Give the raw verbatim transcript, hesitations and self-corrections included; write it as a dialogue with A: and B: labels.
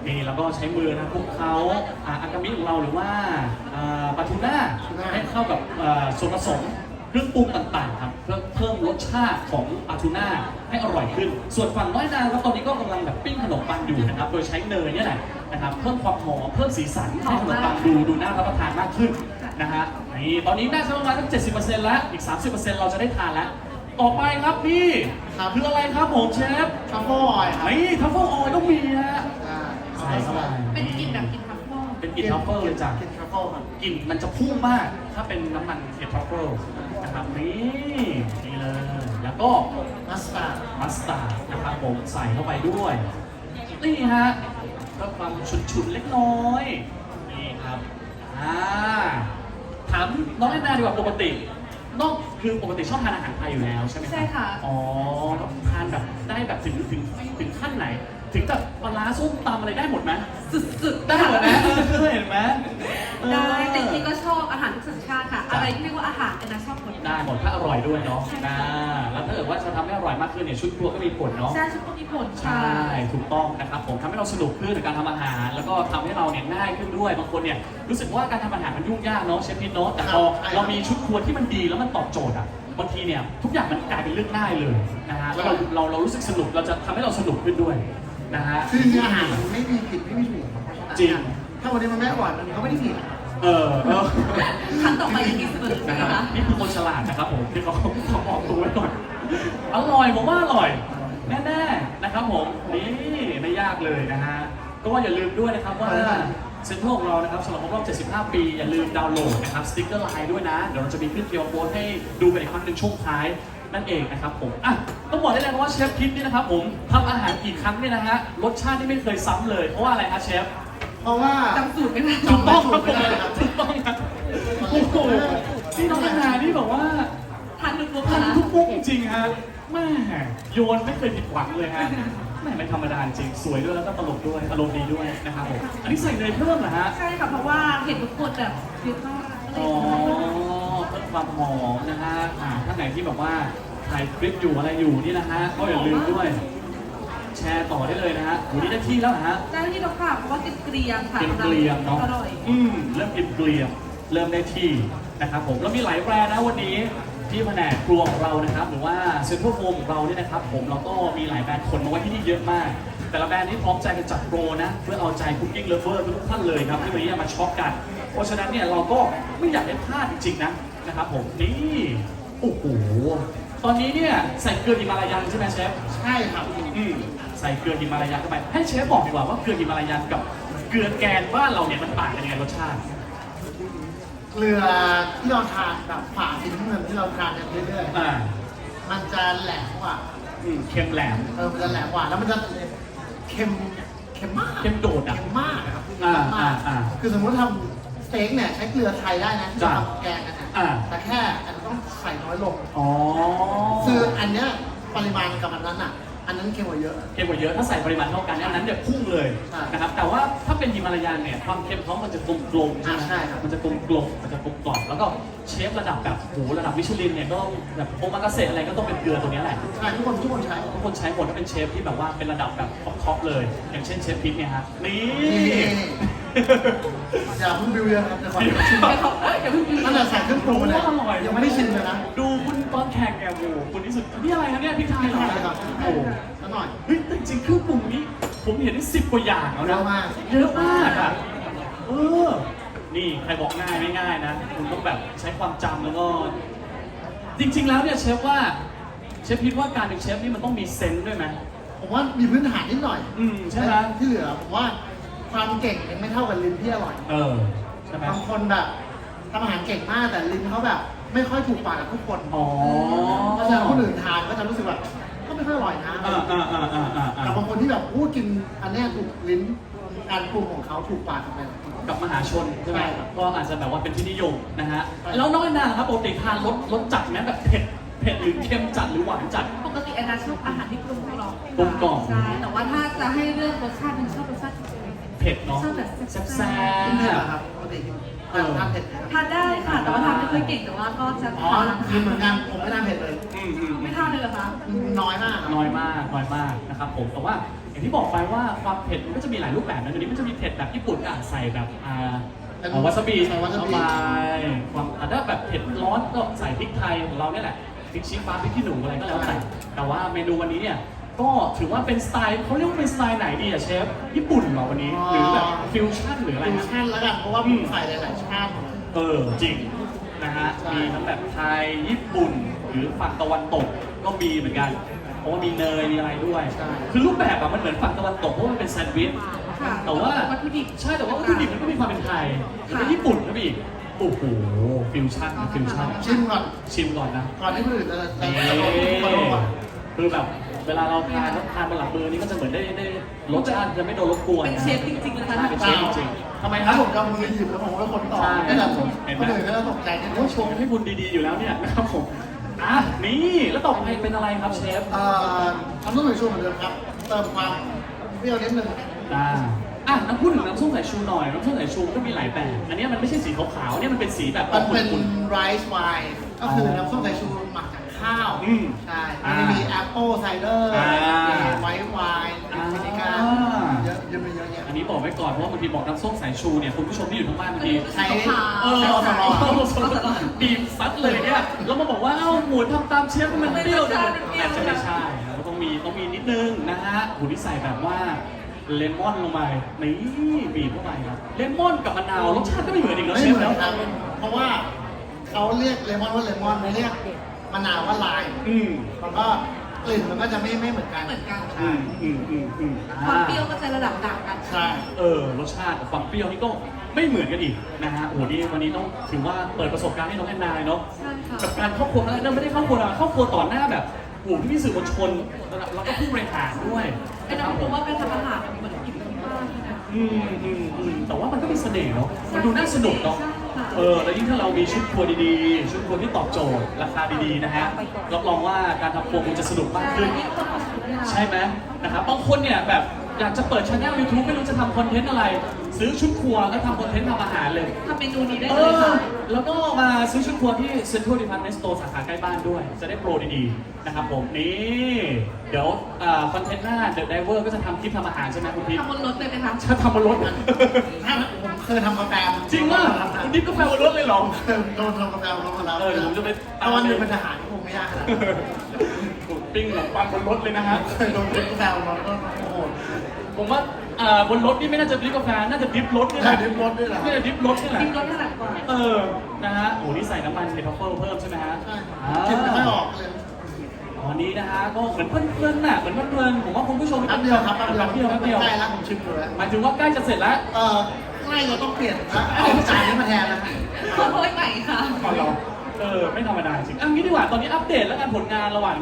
A: นี่แล้วก็ใช้มือนะคลุกเคล้าอ่าอากามิของเราหรือว่าอ่าปลาทูน่าให้เข้ากับอ่าส่วนผสมเครื่องปรุงต่างๆครับเพื่อเพิ่มรสชาติของปลาทูน่าให้อร่อยขึ้น ส่วนฝั่งน้อยนาครับตอนนี้ก็กำลังแบบปิ้งขนมปังอยู่นะครับโดยใช้เนยเนี่ยแหละนะครับเพิ่มความหอมเพิ่มสีสันให้ขนมปังดูดูน่ารับประทานมากขึ้นนะฮะนี่ตอนนี้น่าจะประมาณสักเจ็ดสิบเปอร์เซ็นต์แล้วอีก สามสิบเปอร์เซ็นต์ เราจะได้ทานแล้วต่อไปครับพี่คืออะไรครับผมเชฟ
B: ทัฟเฟิลออยล์ครับ
A: นี่ทัฟเฟิลออยล์ต้องมีนะ
B: อ่า
A: ใส่เข้าไป
C: เป็นกลิ่นแบบกลิ่นทัฟเฟิล
A: เป็นกลิ่นทัฟเฟิลเลยจ้ะ
B: กินทัฟเฟิลครับ
A: กลิ่นมันจะพุ่งมากถ้าเป็นน้ำมันเห็ดทัฟเฟิลนะครับนี่นี่เลยแล้วก็
B: มัสตาร์ด
A: มัสตาร์ดนะครับผมใส่เข้าไปด้วยนี่ฮะก็ความฉุนๆเล็กน้อยนี่ครับอ่าถามน้องแอนนาดีกว่าปกตินอกคือปกติชอบทานอาหารไทยอยู่แล้วใช่ไหมครับ
C: ใช่ค่ะ
A: อ๋อทานแบบได้แบบถึงถึงถึงขั้นไหน ถึงแบบปลาร้าส้มตำอะไรได้หมดไหม
C: สุดๆ
A: ได้หมดนะเออเห็นไหมเออ
C: ได้แต่ที่ก็ชอบอาหารทุกสัญชาติค่ะ อะไรที่เรียกว่าอาหารแอนนาชอบหมด
A: ได้หมดถ้าอร่อยด้วยเนาะ
C: ใช่
A: นะ
C: ค่ะ
A: แล้วถ้าเกิดว่าจะทำให้อร่อยมากขึ้นเนี่ยชุดครัวก็มีผลเนาะ
C: ใช่ชุดก็มีผล
A: ใช่
C: ค่ะ
A: ถูกต้องนะครับผมทำให้เราสนุกขึ้นในการทำอาหาร แล้วก็ทำให้เราเนี่ยง่ายขึ้นด้วยบางคนเนี่ยรู้สึกว่าการทำอาหารมันยุ่งยากเนาะเชฟพิทเนาะแต่พอเรามีชุดครัวที่มันดีแล้วมันตอบโจทย์อ่ะบางทีเนี่ยทุกอย่างมันกลายเป็นเรื่องง่ายเลยนะฮะแล้วเราเราเรารู้สึกสนุกเราจะทำให้เราสนุกขึ้นด้วยนะฮะ
B: คือจริงๆอาหารมันไม่มีผิดไม่มีถูก
A: จริง
B: ถ้าวันนี้มันไม่อร่อยมันก็ไม่ได้ผิด
A: เออเออ
C: ครั้งต่อไปยังมีเสมอใช่
A: นะ
C: ไหม
A: ครับ
C: คะ
A: นี่คือคนฉลาดนะครับผมที่เขาเขาบอกตัวไว้ก่อนอร่อยผมว่าอร่อยแน่ๆนะครับผมนี่ไม่ยากเลยนะฮะก็อย่าลืมด้วยนะครับว่าเซ็นทรัลของเรานะครับสำหรับครบรอบเจ็ดสิบห้า ปีอย่าลืมดาวน์โหลดนะครับสติ๊กเกอร์ไลน์ด้วยนะเดี๋ยวเราจะมีขึ้นเกียวโค้ดให้ดูกันอีกครั้งหนึ่งช่วงท้ายนั่นเองนะครับผมอ่ะต้องบอกได้เลยว่าเชฟคิดนี่นะครับผมทำอาหารกี่ครั้งเนี่ยนะฮะรสชาติที่ไม่เคยซ้ำเลยเพราะว่าอะไรครับเชฟ
B: เพราะว่า
C: จำสูตรไม่ได้
A: ถูกต้องครับผม
B: ไม่ได้ครับ
A: ถูกต้องครับโอ้โหนี่น้องนานานี่บอกว่า
C: ทานทุกมุก
A: ทัน
C: นะ
A: ทุกมุกจริงๆฮะแม่โยนไม่เคยผิดหวังเลยฮะแม่ไม่ธรรมดาจริงสวยด้วยแล้วก็ตลกด้วยอารมณ์ดีด้วยนะครับผมอันนี้ใส่เนยเพิ่มเหรอฮะ
C: ใช่ค่ะเพราะว่าเห็นทุกคนแบบเยอะมากก็เล
A: อ๋
C: ย
A: อเพิ่มความหอมนะฮะอ่าท่านไหนที่แบบว่าถ่ายคลิปอยู่อะไรอยู่นี่นะฮะก็อย่าลืมด้วย แชร์ต่อได้เลยนะฮะวันนี้ได้ที่แล้วนะฮะ
C: ได้ที่เราค่ะเพราะว่ากินเกลียมค่ะ
A: กินเกลียมเนาะ
C: อร่อย
A: อืมเริ่มกินเกลียมเริ่มได้ที่นะครับผมแล้วมีหลายแบรนด์นะวันนี้ที่แผนกครัวของเรานะครับหรือว่าเซ็นทรัลโฟมของเราเนี่ยนะครับผมเราก็มีหลายแบรนด์คนมาไว้ที่นี่เยอะมาก แต่ละแบรนด์นี้พร้อมใจกันจัดโปรนะเพื่อเอาใจคุกกิ้งเลฟเวอร์ทุกท่านเลยครับที่วันนี้มาช็อปกัน เพราะฉะนั้นเนี่ยเราก็ไม่อยากให้พลาดจริงๆนะนะครับผมนี่โอ้โหตอนนี้เนี่ยใส่เกลือฮิมาลายันใช่ไหมเชฟ
B: ใช่ครับ
A: อืมใส่เกลือฮิมาลายันเข้าไปให้เชฟบอกดีกว่าว่าเกลือฮิมาลายันกับเกลือแกนบ้านเราเนี่ยมันต่างกันยังไงรสชาติ
B: เกลือที่เราทานแบบฝาสีน้ำเงินที่เราทานกันเรื่อย
A: อ่า
B: ๆมันจะแหลมกว่า
A: อืมเค็มแหลม
B: เออมันจะแหลมกว่าแล้วมันจะเค็มเค็มมาก
A: เค็มโดดอ่ะ
B: เค็มมากครับ
A: อ่า
B: เค็มมาก
A: อ่าอ่า
B: คือสมมติทำสเต็กเนี่ยใช้เกลือไทยได้นะที่
A: จ้ะ
B: ทำแกงกันนะ
A: อ่า
B: แต่แค่อันต้องใส่น้อยลง
A: อ๋อ
B: คืออันเนี้ยปริมาณกับอันนั้นอ่ะ อันนั้นเค็มกว่าเยอะ
A: เค็มกว่าเยอะถ้าใส่ปริมาณเท่ากันเนี่ยอันนั้นเนี่ยพุ่งเลย
B: ใช่
A: นะครับแต่ว่าถ้าเป็นฮิมาลายันเนี่ยความเค็มเขามันจะกลมกลมๆใช่ไหม
B: อ่าใช่ครับ
A: มันจะกลมกลมๆมันจะกลมกล่อมแล้วก็เชฟระดับแบบโหระดับมิชลินเนี่ยก็ต้องแบบโอมากาเสะอะไรก็ต้องเป็นเกลือตัวเนี้ยแหละ
B: ใช่ทุกคนทุกคนใช้
A: ทุกคนใช้หมดถ้าเป็นเชฟที่แบบว่าเป็นระดับแบบท็อปๆเลย อย่างเช่นเชฟพิทเนี่ยฮะนี่
B: อย่าเพิ่งบิวเยอะครับเดี๋ยวขอชิม
C: เดี๋ยวเขาอย่าเพิ่ง
B: ตั้งแต่ใส่เครื่องปรุงมาเลย
A: อร่อย
B: ยังไม่ได้ชิมเลยนะ
A: ดูคุณตอนแข่งแกโอ้โหคุณที่สุดนี่อะไรครับเนี่ยพริกไทยเหรอ
B: พริกไทยครับ
A: โอ้โห
B: แล้วหน่อย
A: เฮ้ยแต่จริงๆเครื่องปรุงนี้ผมเห็นได้สิบกว่าอย่างแล้ว
B: เย
A: นะ
B: อะมาก
A: เยอะมากอ่ะเออนี่ใครบอกง่ายไม่ง่ายนะคุณต้องแบบใช้ความจำแล้วก็ จริง ๆ แล้วเนี่ยเชฟว่าเชฟคิดว่าการเป็นเชฟนี่มันต้องมีเซนส์ด้วยไหม
B: ผมว่ามีพื้นฐานนิดหน่อย
A: อืมใช่ไหม
B: ที่เหลือผมว่าความเก่งยังไม่เท่ากับลิ้นที่อร่อย
A: เออใช่ไหม
B: บางคนแบบทำอาหารเก่งมากแต่ลิ้นเขาแบบ ไม่ค่อยถูกปากกับทุกคน
A: อ๋อ
B: เพราะฉะนั้นคนอื่นทานก็จะรู้สึกแบบก็ไม่ค่อยอร่อยนะ
A: อ่าอ่าอ่าอ่าอ่า
B: แต่บางคนที่แบบพูดกินอันเนี้ยถูกลิ้นการปรุงของเขาถูกปากกับไป
A: กับมหาชนใช่ไหม
B: ใช่ครับ
A: ก็อาจจะแบบว่าเป็นที่นิยมนะฮะ
B: ใช่
A: แล้วน้องแอนนาครับปกติทานรสรสจัดไหมแบบเผ็ดเผ็ดหรือเค็มจัดหรือหวานจัด
C: ปกติแอนนาชอบอาหารที่กลมกล่อม
A: กลมกล่อม
C: ใช่แต่ว่าถ้าจะให้เลือกรสชาติหนึงชอบรสชาติเฉย
A: เผ็ดเนาะ
C: ชอบแบบ
A: แซ่บ
C: แซ่
B: กินเผ็ดเหรอ
A: ๆ
B: ครับปกติกิน
A: เออ
B: ทานเผ็ดไหมครับ
C: ๆทานได้ค่ะ แต่ว่าทานไม่ค่อยเก่งแต่ว่าก็จะ
B: อ๋อ
C: ทาน
B: กินเหมือนกันผมไม่ทานเผ็ดเลย
A: อืมอืม
C: ไม่ทานเลยเหรอคะ
B: น้อยมากครับ
A: น้อยมากน้อยมากนะครับผมแต่ว่าอย่างที่บอกไปว่าความเผ็ดมันก็จะมีหลายรูปแบบนะเดี๋ยวนี้มันจะมีเผ็ดแบบญี่ปุ่นอ่ะใส่แบบอ่า
B: เป็น
A: เอาวาซาบิ
B: ใส่วาซาบิ
A: เข้าไปความอ่ะถ้าแบบเผ็ดร้อนก็ใส่พริกไทยของเราเนี่ยแหละพริกชี้ฟ้าพริกขี้หนูอะไรก็แล้วแต่แต่ว่าเมนูวันนี้เนี่ยก็ถือว่าเป็นสไตล์เขาเรียกว่าเป็นสไตล์ไหนดีอะเชฟญี่ปุ่นเหรอวันนี้หรือแบบฟิวชั่นหรืออะไร
B: ฟิว
A: นะ
B: ชั่นแล้วกันเพราะว่าผมใส่หลายๆชาติ
A: เออจริงนะฮะ
B: ใช่
A: มีทั้งแบบไทยญี่ปุ่น หรือฝั่งตะวันตกก็มีเหมือนกันเพราะว่ามีเนยมีอะไรด้วย คือรูปแบบอะมันเหมือนฝั่งตะวันตกเพราะว่ามันเป็นแซนด์วิช
C: ค่ะ
A: แต่ว่า
C: วัตถุดิบ
A: ใช่แต่ว่าวัตถุดิบมันก็มีความเป็นไทยแล้วก็ญี่ปุ่นก็มีอีกโอ้โหฟิวชั่นนะฟิวชั่น
B: ชิมก่อน
A: ชิมก่อนนะ
B: ก่อนที่คนอื่นจะจะ
A: นี่
B: จะลงมาลงก่อน
A: คือแบบเวลาเราทานทานบนหลังมือนี่ก็จะเหมือนได้ได้รสชาติจะไม่โดนรบกวน
C: เป็นเชฟจริงๆนะคะ
A: ใช่เป็นเชฟจริงๆทำไมค
B: ถ้า
A: รับ
B: ผมจะเอามือหยิบแล้วผมก็คนต่อ
A: ใช่
B: ไม่แบบ
A: เห็นไหม
B: คนอื่นก็จะตกใจนิดนึ
A: โอ้
B: ง
A: ชมให้คุณดีๆอยู่แล้วเนี่ยนะครับผมอ่ะนี่แล้วต่อไปเป็นอะไรครับเชฟ
B: เอ่อทำต้มสายชูเหมือนเดิมครับ เติมความเปรี้ยวนิดนึง
A: อ่าอ่ะน้ำพูดถึงน้ำส้มสายชูหน่อยน้ำส้มสายชูก็มีหลายแบบอันนี้มันไม่ใช่สีขาวๆเนี่ยมันเป็นสีแบบ
B: มันเป็น
A: ขุ่น
B: ไรซ์ไวน์ก็คือน้ำส้มสายชูหมักจากข้าว
A: อืม
B: ใช่
A: อ่า
B: มันจะมีแอปเปิลไซเดอร์
A: อ่า
B: มีไวท์ไวน์
A: อ่า
B: วินิก้าเยอะเยอะเยอะแยะ
A: อันนี้บอกไว้ก่อนเพราะว่าบางทีบอกน้ำส้มสายชูเนี่ยคุณผู้ชมที่อยู่ทางบ้านบางที
B: ใช้
C: ขาว
A: เออ
B: ใช้อสม
A: บีบซัดเลยเนี่ยแล้วมาบอกว่าเอ้าหมูทำตามเชฟมันเปรี้ยวจังเลย
C: ไม่
A: อาจ
C: ใช่
A: จะไม่ใช่ก็ต้องมีต้องมีนิดนึงนะฮะหูที่ใส่แบบว่าเลมอนลงไปนี่บีบเข้าไปครับเลมอนกับมะนาวรสชาติก็ไม่เหมือนอีกแล้ว
B: ไม่
A: เช
B: เห
A: ฟ
B: มือน
A: แล้ว
B: กันเพราะว่าเขาเรียกเลมอนว่าเลมอนไม่เรียกมะนาวว่าไลม์
A: อืม
B: แล้วก็กลิ่นมันก็จะไม่ไม่เหมือนกัน
C: เหมือนกัน
A: อืมอืมอืมอืม
C: ความเปรี้ยวก็จะระดับต่างกัน
B: ใช่
A: เออรสชาติกับความเปรี้ยวนี่ก็ไม่เหมือนกันอีกนะฮะโอ้โหนี่วันนี้ต้องถือว่าเปิดประสบการณ์ให้น้องแอนนาเนาะ
C: ใช่ค่ะ
A: กับการเข้าครัวครั้งแรกนั่นไม่ได้เข้าครัวนะเข้าครัวต่อหน้าแบบโอ้โหพี่สื่อมวลชนแล้วก็ผู้บริหารด้วย
C: ไอ้น้ำรู้ว่าไปทำอาหารเหมือนกินที่บ้านนะ
A: อืมอืมอืมแต่ว่ามันก็มีเสน่ห์เนาะมันดูน่าสนุกเนาะ
C: ใช่ค่ะ
A: เออแล้วยิ่งถ้าเรามีชุดครัวดีๆ ชุดครัวที่ตอบโจทย์ราคาดีๆนะฮะรับรองว่าการทำครัวคงจะสนุกมากขึ้น
C: นี่ก็ความสุขเนี่ย
A: ใช่ไหมนะครับบางคนเนี่ยแบบอยากจะเปิดช่อง YouTube ไม่รู้จะทำคอนเทนต์อะไร ซื้อชุดครัวแล้วทำคอนเทนต์ทำอาหารเลย
C: ทำเมนูนี้ได้
A: เอ
C: เลย
A: อ
C: ค่ะ
A: แล้วก็มาซื้อชุดครัวที่ Central Department Store สาขาใกล้บ้านด้วย จะได้โปรดีๆนะครับผมนี่เดี๋ยวคอนเทนต์หน้า The Diver ก็จะทำคลิปทำอาหารใช่ไหมคุณพิษ
C: ทำบนรถเลยไหมคะ
A: จะทำบนรถ
B: ถ้าผมเคยทำกาแฟ
A: จริงว่าคุณดิฟกาแฟบนรถเลยเหรอ
B: เคยโดนทำกาแฟลงมาแล้ว
A: เออเดี๋ยวผมจะไปตาม
B: ถ้าวันหนึงเป็นทหารก็คงไม่ยากขนาดนั้น
A: ปิ้งขนมปังบนรถเลยนะฮะ
B: เคยโดนดริฟกาแฟลงมาก็โอ้โห
A: ผมว่าอ่าบนรถนี่ไม่น่าจะดริฟกาแฟ น่าจะดริฟรถนี่แห
B: ใช่
A: ละ
B: ดริฟรถด้วยเหรอ
A: น่าจะดริฟรถนี่แหละ
C: กินรถถนัดกว่า
A: เออ นะฮะโอ้นี่ใส่น้ำมันในทัฟเฟิลเพิ่มใช่ไหมฮะ
B: ใช่
A: อ่า
B: กินไม่ค่อยออกเลย
A: ตอนนี้นะฮะ ก็เหมือนเพลินๆน่ะ เหมือนเพลินๆผมว่าคุณผู้ชม
B: แป๊บเดียวครับแป๊บเดียว
A: แป๊บเดียวแป๊บเดียว
B: ใกล้แล้วผมชิมดูแล้ว
A: หมายถึงว่าใกล้จะเสร็จแล้ว
B: เออใกล้เราต้องเปลี่ยนแล้วเอาจานนี้มาแทนแล้ว
C: ขอโทษใหม่ค่ะ
A: ก่อนเรา เออ ไม่ธรรมดาจริงอ่ะงี้ดีกว่า ตอนนี้อัปเดตแล้วกันผลงานระหว่าง